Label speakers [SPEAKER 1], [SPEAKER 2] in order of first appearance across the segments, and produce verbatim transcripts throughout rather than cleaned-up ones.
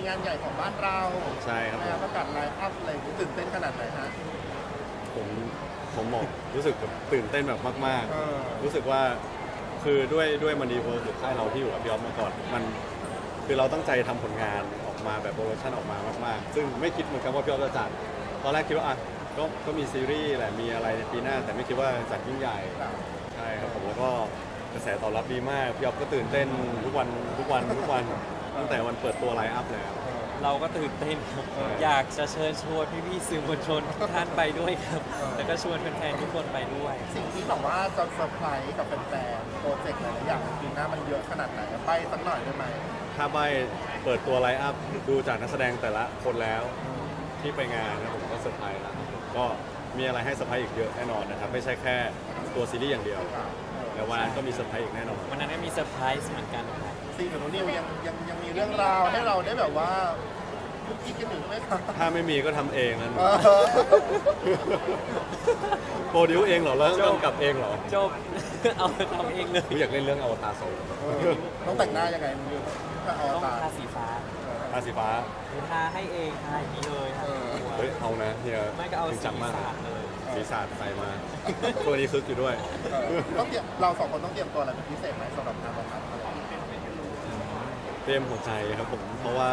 [SPEAKER 1] งานใหญ่ของบ้านเรา
[SPEAKER 2] ใช่ครับผม
[SPEAKER 1] นะประกาศไลฟ์อัพอะไรอย่างงี้ตื่นเต้นขนาดไหนฮะ
[SPEAKER 2] ผมผมบอกรู้สึกแบบตื่นเต้นแบบมาก
[SPEAKER 1] เออ
[SPEAKER 2] ๆ รู้สึกว่าคือด้วยด้วยมันดีเวิร์หรือค่ายเราที่อยู่กับพี่ออฟมาก่อนมันคือเราตั้งใจทำผลงานออกมาแบบโปรโมชั่นออกมามากๆ ซึ่งไม่คิดเหมือนกันว่าพี่ออฟจะจัดตอนแรกคิดว่าอ่ะก็ก็มีซีรีส์แหละมีอะไรในปีหน้า แต่ไม่คิดว่าจัดยิ่งใหญ่
[SPEAKER 1] ครับ
[SPEAKER 2] ใช่ครับผมแล้วก็กระแสตอบรับดีมากพี่ออฟก็ตื่นเต้นทุกวันทุกวันทุกวันตั้งแต่วันเปิดตัวไลฟ์อัพแล้ว
[SPEAKER 3] เราก็ตื่นเต้นครับ
[SPEAKER 2] เออ
[SPEAKER 3] อยากจะเชิญชวนพี่ๆสื่อมวลชนทุกท่านไปด้วยครับ
[SPEAKER 1] เออ
[SPEAKER 3] แล้วก็ชวนแฟนๆทุกคนไปด้วย
[SPEAKER 1] สิ่งที่แบบว่าจะเซอร์ไพรส์กับแฟนๆโปรเจกต์หลายๆอย่างในปีหน้ามันเยอะขนาดไหนไปสักหน่อยได้ไหม
[SPEAKER 2] ถ้าใบเปิดตัวไลฟ์อัพดูจากนักแสดงแต่ละคนแล้วที่ไปงานนะผมก็เซอร์ไพรส์แล้วก็มีอะไรให้เซอร์ไพรส์อีกเยอะแน่นอนนะครับไม่ใช่แค่ตัวซีรีส์อย่างเดียวแต่วันนั้นก็มีเซอร์ไพรส์อีกแน่นอน
[SPEAKER 3] วันนั้นก็มีเซอร์ไพรส์เหมือนกันครับ
[SPEAKER 1] ซีกับนิวยังยังยังมีเรื่องราวให้เราได้แบบว่าคุกกี้กันอยู่ไหมครับ
[SPEAKER 2] ถ้าไม่มีก็ทำเองนั่น
[SPEAKER 1] เออ
[SPEAKER 2] โปรดิวเองเหรอแล้วกำกับเองเหรอ
[SPEAKER 3] จบ เอาไปทำเองเลย
[SPEAKER 2] ผมอยากเล่นเรื่องอวตารสอง
[SPEAKER 1] เออต้องแต่งหน้ายังไงนิวถ้าเอา
[SPEAKER 3] ต้อง
[SPEAKER 1] ตา
[SPEAKER 3] ทาสีฟ้า
[SPEAKER 2] อาสีฟ้า
[SPEAKER 3] คือทาให้เองทาอย่างนี้เลยทาทั้งตัว
[SPEAKER 2] เฮ้ยเอานะเฮีย
[SPEAKER 3] ไม่ก็เอา
[SPEAKER 2] จริ
[SPEAKER 3] สี
[SPEAKER 2] งจังมาก
[SPEAKER 3] สาดเลย
[SPEAKER 2] สีสาดใส่มาตัวนี้คึกอยู่ด้วย
[SPEAKER 1] เออต้องเตรียมเราสองคนต้องเตรียมตัวอะไรเป็นพิเศษไหมสำหรับงานวันนั้นอะไรอย่างเงี้ย
[SPEAKER 2] เตรียมหัวใจครับผมเพราะว่า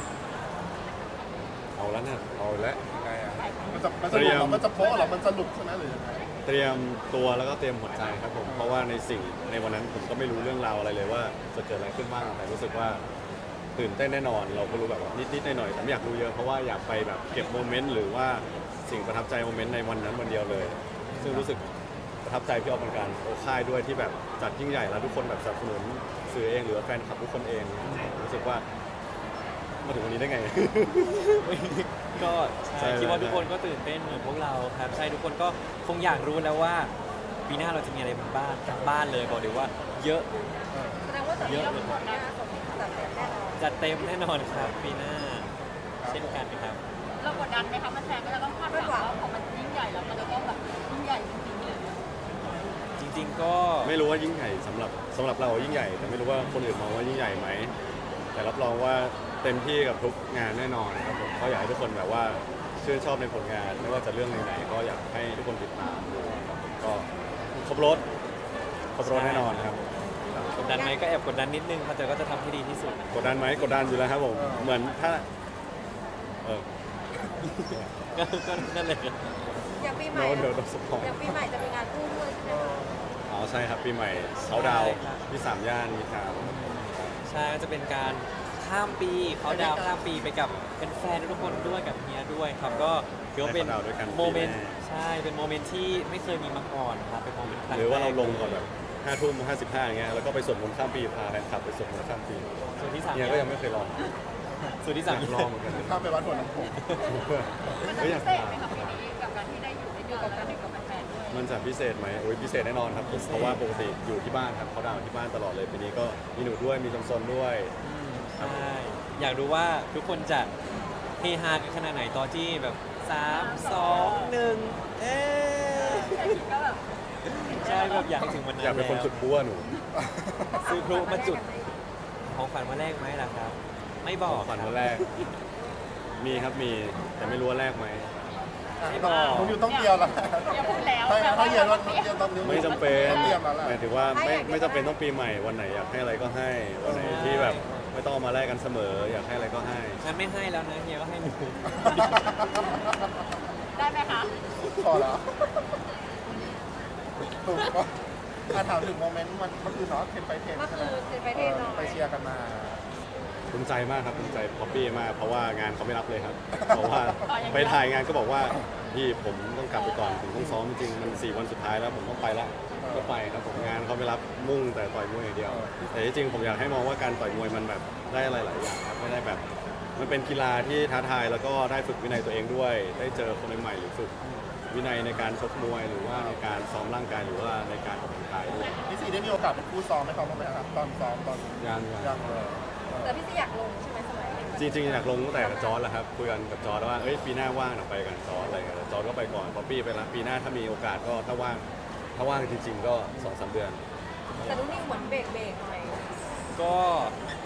[SPEAKER 2] เอาแล้วเนี่ยเอาแล้ว
[SPEAKER 1] ยังไงอ่ะมันจะมันจะหลุดเหรอมันจะโป๊ะเหรอมันจะหลุดใช่ไหมหรือยังไง
[SPEAKER 2] เตรียมตัวแล้วก็เตรียมหัวใจครับผมเพราะว่าในสิ่งในวันนั้นผมก็ไม่รู้เรื่องราวอะไรเลยว่าจะเกิดอะไรขึ้นบ้างแต่รู้สึกว่าตื่นเต้นแน่นอน เราก็รู้แบบว่านิดๆหน่อยๆแต่ไม่อยากรู้เยอะเพราะว่าอยากไปแบบเก็บโมเมนต์หรือว่าสิ่งประทับใจโมเมนต์ในวันนั้นวันเดียวเลย ซึ่งรู้สึกประทับใจพี่ออฟเหมือนกันโอค่ายด้วยที่แบบจัดยิ่งใหญ่แล้วทุกคนแบบสนับสนุนสื่อเองหรือว่าแฟนคลับทุกคนเองรู้สึกว่ามาถึงวันนี้ได้ไง
[SPEAKER 3] ก็
[SPEAKER 2] ใช่
[SPEAKER 3] ใช่คิดว่า
[SPEAKER 2] ใช่
[SPEAKER 3] ทุกคนก็ตื่นเต้นเหมือนพวกเราครับใช่ทุกคนก็คงอยากรู้แล้วว่าปีหน้าเราจะมีอะไรบ้างจากบ้านเลยบอกเลยว่า เยอะ
[SPEAKER 4] แสดงว่าตอนนี้เราทุกคนนะสมมติจัดเต็มแน่นอน
[SPEAKER 3] จัดเต็มแน่นอนครับปีหน้าเช่นกันครับ
[SPEAKER 4] เรากดดันไหมคะมันแฟนก็จะต้องคาดหวังว่าพอมันยิ่งใหญ่แล้วมันจะต้องแบบยิ่งใหญ่จริงๆเลย
[SPEAKER 3] จริงๆก็
[SPEAKER 2] ไม่รู้ว่ายิ่งใหญ่สำหรับสำหรับเรายิ่งใหญ่ แต่ไม่รู้ว่าคนอื่นมองว่ายิ่งใหญ่ไหมแต่รับรองว่าเต็มที่กับทุกงานแน่นอนครับผมก็อยากให้ทุกคนแบบว่าชื่นชอบในผลงาน ไม่ว่าจะเรื่องไหนๆก็อยากให้ทุกคนติดตามดูครับผมก็ครบรถครบรถแน่นอนครับ
[SPEAKER 3] กดดันไหมก็แอบกดดันนิดนึงครับแต่ก็จะทำให้ดีที่สุด
[SPEAKER 2] กดดันไหมกดดันอยู่แล้วครับผมเหมือนถ้าเออ
[SPEAKER 3] ก็ก็นั่นเลยครับ
[SPEAKER 4] อย่างปีใหม่
[SPEAKER 2] โน้ตเดี๋ยวเราสปอย
[SPEAKER 4] อย่างปีใหม่จะมีงานคู่ด้วยใช่ไหมคะ
[SPEAKER 2] อ๋อใช่ครับปีใหม่เขาดาวน์ที่สามย่านมีทาวน์
[SPEAKER 3] ใช่ก็จะเป็นการข้ามปีเขาดาวน์ข้ามปีไปกับเป็นแฟนทุกคนด้วยกับเฮียด้วยครับก็ถือว่าเป็นโมเมนต์ใช่เป็นโมเมนต์ที่ไม่เคยมีมาก่อนครับเป็นโมเมนต์ครั้ง
[SPEAKER 2] หรือว่าเรา
[SPEAKER 3] แก
[SPEAKER 2] ลงก่อนแบบห้าทุ่มห้าสิบห้าอย่างเงี้ยแล้วก็ไปสวดมนต์ข้ามปีพาแฟนคลับไปสวดมนต์ข้ามปี
[SPEAKER 3] ส่วนที่สาม
[SPEAKER 2] เนี่ยก็ยังไม่เคยลอง
[SPEAKER 3] ส่วนที่
[SPEAKER 2] อ
[SPEAKER 3] สาม
[SPEAKER 2] ยากลองเหมือนกัน
[SPEAKER 1] ข้ามไปวัดหัวลำโพง
[SPEAKER 4] มันจะ
[SPEAKER 2] ก็อ
[SPEAKER 4] พิ
[SPEAKER 2] ยาก
[SPEAKER 4] เศษ
[SPEAKER 2] ลอง
[SPEAKER 4] ไหมคะปีนี้กับการที่ได้อยู่ในอยู่กับการอยู่กับแฟนๆด้วย
[SPEAKER 2] มันจะพิเศษไหมโอ้ยพิเศษแน่นอนครับผมเพราะว่าปกติอยู่ที่บ้านครับเขาดาวน์ที่บ้านตลอดเลยปีนี้ก็มีหนูด้วยมีจำซนด้วย
[SPEAKER 3] อืมใช่อยากรู้ว่าทุกคนจะเฮฮากันขนาดไหนตอนที่แบบสามสองหนึ่งเอ๊ะ
[SPEAKER 4] แค่คิดก็แบบ
[SPEAKER 3] ใช่แบบอยากให้ถึงวันนั้น
[SPEAKER 2] อยากเป็นคน
[SPEAKER 3] แล้ว
[SPEAKER 2] จุดบัวหนู
[SPEAKER 3] ซื้อพลุมาจุดของขวัญมาแรกไหมล่ะครับ ไม่บอก
[SPEAKER 2] ฝัน
[SPEAKER 3] ครับ
[SPEAKER 2] วันแรก มีครับมีแต่ไม่รู้ว่าแรกไหม
[SPEAKER 3] ไม่บอก
[SPEAKER 1] ผมอยู่ต้องเตรียมแล้ว
[SPEAKER 4] อย่าพูดแล้ว
[SPEAKER 1] ถ้า
[SPEAKER 4] แต่
[SPEAKER 1] ถ้า
[SPEAKER 4] ว่า
[SPEAKER 1] เย็นวันเย็นตอนนี้
[SPEAKER 2] ไม่จำเป็น
[SPEAKER 1] ต้องเตรียมแล้วแหละ
[SPEAKER 2] หมายถึงว่าไม่ไม่จำเป็นต้องปีใหม่วันไหนอยากให้อะไรก็ให้ วันไหนที่แบบไม่ต้องเอามาแลกกันเสมอ อยากให้อะไรก็ให้
[SPEAKER 3] งั้นไม่ให้แล้วนะเฮียก็ให้หนู
[SPEAKER 4] ได้ไหมคะ
[SPEAKER 1] พอแล้วถูกก็อ่ะถามถึงโมเมนต์มันเมื่อคืนเนาะเทนไปเทน
[SPEAKER 4] เมื่อ
[SPEAKER 1] ใช่ไห
[SPEAKER 4] คื
[SPEAKER 1] ม
[SPEAKER 4] นเทนไปเทนหน่อย
[SPEAKER 1] ไปเชียร์กันมา
[SPEAKER 2] ภูมิใจมากครับภูมิใจป๊อปปี้มากเพราะว่างานเขาไม่รับเลยครับ เพราะว่าไปถ่ายงานก็บอกว่าพี่ผมต้องกลับไปก่อนผมต้องซ้อมจริงๆมันสี่วันสุดท้ายแล้วผมต้องไปละก็ไปครับผมงานเขาไม่รับมุ่งแต่ต่อยมวยอย่างเดียว แต่ที่จริงผมอยากให้มองว่าการต่อยมวยมันแบบได้อะไรหลายอย่างครับไม่ได้แบบ มันเป็นกีฬาที่ท้าทายแล้วก็ได้ฝึกวินัยตัวเองด้วย ได้เจอคนใหม่ๆหรือฝึกวินัยในการชกมวยหรือว่าในการซ้อมร่างกายหรือว่าในการออกกำลังกายด้วย
[SPEAKER 1] พี่ซีได้มีโอกาสเป็นคู่ซ้อมให้เขาบ้างไหมครับตอนซ้อมตอน
[SPEAKER 2] ยัง
[SPEAKER 1] ยังเลย
[SPEAKER 4] แต่พี่ซีอยากลงใช่ไหมสมัยเด็ก
[SPEAKER 2] จริงๆอยากลงตั้งแต่กับจอร์ดแล้วครับคุยกันกับจอร์ดว่าเอ้ยปีหน้าว่างเราไปกันจอร์ดอะไรเงี้ยแต่จอร์ดก็ไปก่อนพอปี้ไปแล้วปีหน้าถ้ามีโอกาสก็ถ้าว่างถ้าว่างจริง ๆ ก็สองสามเดือน
[SPEAKER 4] แต่นุ่นนี่เหมือนเบรกเบรกหน่อย
[SPEAKER 3] ก็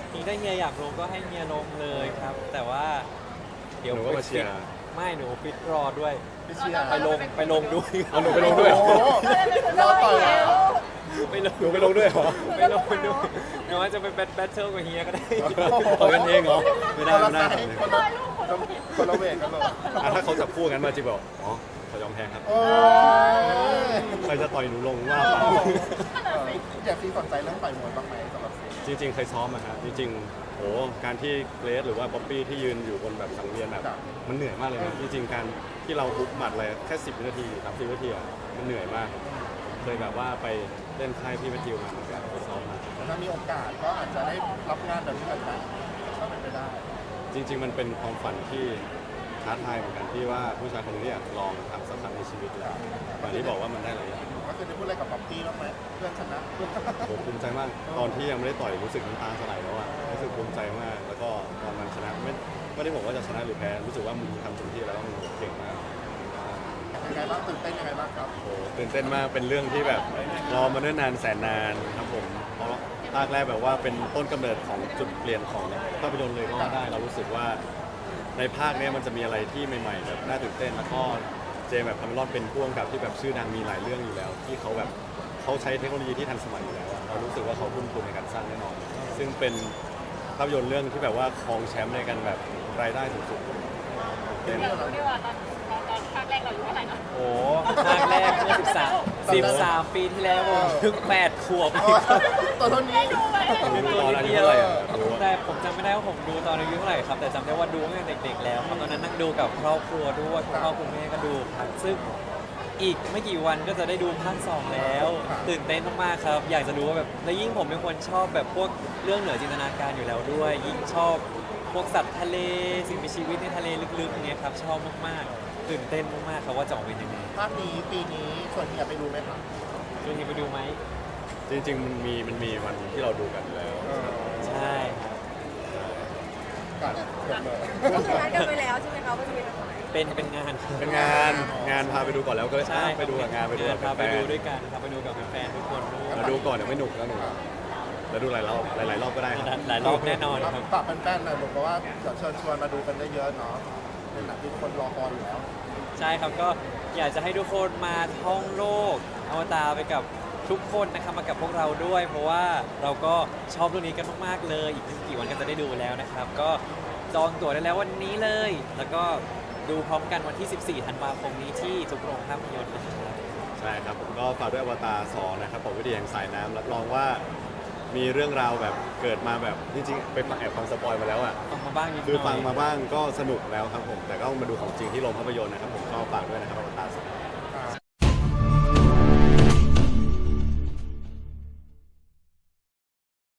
[SPEAKER 3] จริงถ้าเฮียอยากลงก็ให้เฮียลงเลยครับ แต่ว่าเดี๋ยว
[SPEAKER 2] หนูก็มาเชียร์
[SPEAKER 3] ไม่หนูฟิตรอด้วย
[SPEAKER 1] ไปเชียร์
[SPEAKER 3] ไปลงไปลงด้วย
[SPEAKER 2] เอาหนูไปลงด้วย
[SPEAKER 1] โอ้โหเราต่อยแล้ว
[SPEAKER 3] ไปลง
[SPEAKER 2] หนูไปลงด้วยเหรอ
[SPEAKER 3] ไปลงไปดูหนูว่าจะไปแบทแบทเทิลกับเฮียก็ได้
[SPEAKER 2] ต่อยกันเองเหรอไม่ได้
[SPEAKER 1] คน
[SPEAKER 2] ไม่
[SPEAKER 1] ละ
[SPEAKER 2] ได้
[SPEAKER 1] ไซส์คนละคนละเวทกันเลย
[SPEAKER 2] อ่ะถ้าเขาจับคู่กันมาจริงบอกอ๋อเขายอมแพ้ครับ
[SPEAKER 1] โอ้ย
[SPEAKER 2] ใครจะต่อยหนูลงว่า
[SPEAKER 1] เอ
[SPEAKER 2] ไป
[SPEAKER 1] ออยากซีสนใจเรื่องต่อยมวยบ้างไหมสำหรับซี
[SPEAKER 2] จริงๆ เคยซ้อมอะครับจริงๆโหการที่เกรซหรือว่าป๊อปปี้ที่ยืนอยู่บนแบบสังเวียนแบบมันเหนื่อยมากเลยนะจริงๆ การที่เราฮุบหมัดอะไรแค่สิบวินาทีสามสิบวินาทีอะมันเหนื่อยมาก เคยแบบว่าไปเล่นค่ายพี่แมทธิวมาเหมือนกันไปซ้อมมา
[SPEAKER 1] ถ้ามีโอกาสก็อาจจะได้รับงานแบบนี้เหมือนกันก็เป็นไปได้
[SPEAKER 2] จริง ๆ มันเป็นความฝันที่ท้าทายเหมือนกันที่ว่าผู้ชายคนนี้อยากลองทำสักครั้งในชีวิตแล้ววันนี้บอกว่ามันได้หลายอย่าง
[SPEAKER 1] ก็คือได้พูดอะไรกับป๊อปปี้บ้างไหมเพื่อนชนะ
[SPEAKER 2] โหภูมิใจมากตอนที่ยังไม่ได้ต่อยรู้สึกน้ำตาสลายแล้วอะรู้สึกภูมิใจมาก แล้วก็ตอนมันชนะไม่ไม่ได้บอกว่าจะชนะหรือแพ้รู้สึกว่ามึงทำเต็มที่แล้วมึงเก่งมาก
[SPEAKER 1] ยังไงบ้างตื่นเต้นยังไงบ้างครับ
[SPEAKER 2] โหตื่นเต้นมากเป็นเรื่องที่แบบรอมาเนิ่นนานแสนนานครับผมเพราะภาคแรกแบบว่าเป็นต้นกำเนิดของจุดเปลี่ยนของภาพยนตร์เลยก็ว่าได้เรารู้สึกว่าในภาคเนี้ยมันจะมีอะไรที่ใหม่ ๆ แบบน่าตื่นเต้นแล้วก็เจมส์แบบคาเมรอนเป็นผู้กำกับที่แบบชื่อดังมีหลายเรื่องอยู่แล้ว ที่เขาแบบเขาใช้เทคโนโลยีที่ทันสมัยอยู่แล้วอะเรารู้สึกว่าเขาทุ่มทุนในการสร้างแน่นอน ซึ่งเป็นภาพยนตร์เรื่องที่แบบว่าครองแชมป์ในการแบบรายได้สูงๆ
[SPEAKER 4] เดี๋ยวรู้ดีว่าตอนตอนตอนภาคแรกเราอายู่เท่าไหร่นะ
[SPEAKER 3] โอ้ภาคแรกเมื่อสิบสาม สิบสามปีที่แล้วผมเพิ่งแปดขวบ
[SPEAKER 1] ตัวเท่านี้
[SPEAKER 4] ได้ดูไหม
[SPEAKER 2] ตอนอายุเท่าไหร่อะรู้
[SPEAKER 3] แต่ผมจำไม่ได้ว่าผมดูตอนอายุเท่าไหร่ครับ แต่จำได้ว่าดูตั้งแต่เด็กๆแล้วครับตอนนั้นนั่งดูกับครอบครัวด้วยคุณพ่อคุณแม่ก็ดูครับซึ่งอีกไม่กี่วันก็จะได้ดูภาคสองแล้ว ตื่นเต้นมากๆครับ อยากจะรู้ว่าแบบแล้วยิ่งผมเป็นคนชอบแบบพวกเรื่องเหนือจินตนาการอยู่แล้วด้วย ยิ่งชอบพวกสัตว์ทะเลสิ่งมีชีวิตในทะเลลึกๆเนี่ยครับชอบมากๆตื่นเต้นมากๆครับว่าจะออกเป็นยังไง
[SPEAKER 1] ภาคนี้ปีนี้ส่วนเฮียไปดูไหมครับ
[SPEAKER 3] ชวนทีไปดูไหม
[SPEAKER 2] จริงๆ มันมีมันมีวันที่เราดูกันอยู่แล้ว
[SPEAKER 3] ใช่ครับ
[SPEAKER 1] กัดจบเลย
[SPEAKER 5] ก็คือนัดกันไปแล้วใช่ไหมคะว่าจะไปทำอะไร
[SPEAKER 3] เป็นเป็นงาน
[SPEAKER 2] เป็นงานงานพาไปดูก่อนแล้วก็เลย
[SPEAKER 3] ใช่
[SPEAKER 2] อ่ะไปดูกับงานไปดูกับ
[SPEAKER 3] พา
[SPEAKER 2] แฟ
[SPEAKER 3] ไป
[SPEAKER 2] น
[SPEAKER 3] ดูด้วยกันครับไปดูกับแฟนๆทุกคนด้วย
[SPEAKER 2] มาดูก่อนเดี๋ยวไม่หนุกแล้วหนูแล้วดูหลายรอบหลายๆรอบก็ได้ครับ
[SPEAKER 3] หลายรอบแน่นอนครับ
[SPEAKER 1] ฝากแฟนๆหน่อยบอกว่าเดี๋ยวเชิญชวนมาดูกันเยอะๆเนาะเป็นหนังที่ทุกคนรอคอยอยู่แล้ว
[SPEAKER 3] ใช่ครับก็อยากจะให้ทุกคนมาท่องโลกอวตารไปกับทุกคนนะครับมากับพวกเราด้วย เพราะว่าเราก็ชอบเรื่องนี้กันมากๆเลยอีกไม่กี่วันก็จะได้ดูแล้วนะครับ ก็จองตั๋วได้แล้ววันนี้เลย แล้วก็ดูพร้อมกันวันที่ สิบสี่ ธันวาคมนี้ที่ทุกโรงภาพยนตร์นะครับ
[SPEAKER 2] ใช่ครับผมก็ฝากด้วยอวตารสองนะครับผมวิทยาแห่งสายน้ำรับรองว่ามีเรื่องราวแบบเกิดมาแบบจริงๆไปฟังแอบฟังสปอยมาแล้วอ่ะ
[SPEAKER 3] ฟังมาบ้างนิดหน่อย
[SPEAKER 2] คือฟังมาบ้างก็สนุกแล้วครับผมแต่ก็มาดูของจริงที่โรงภาพยนตร์นะครับผมก็ฝากด้วยนะครับอวตารสอง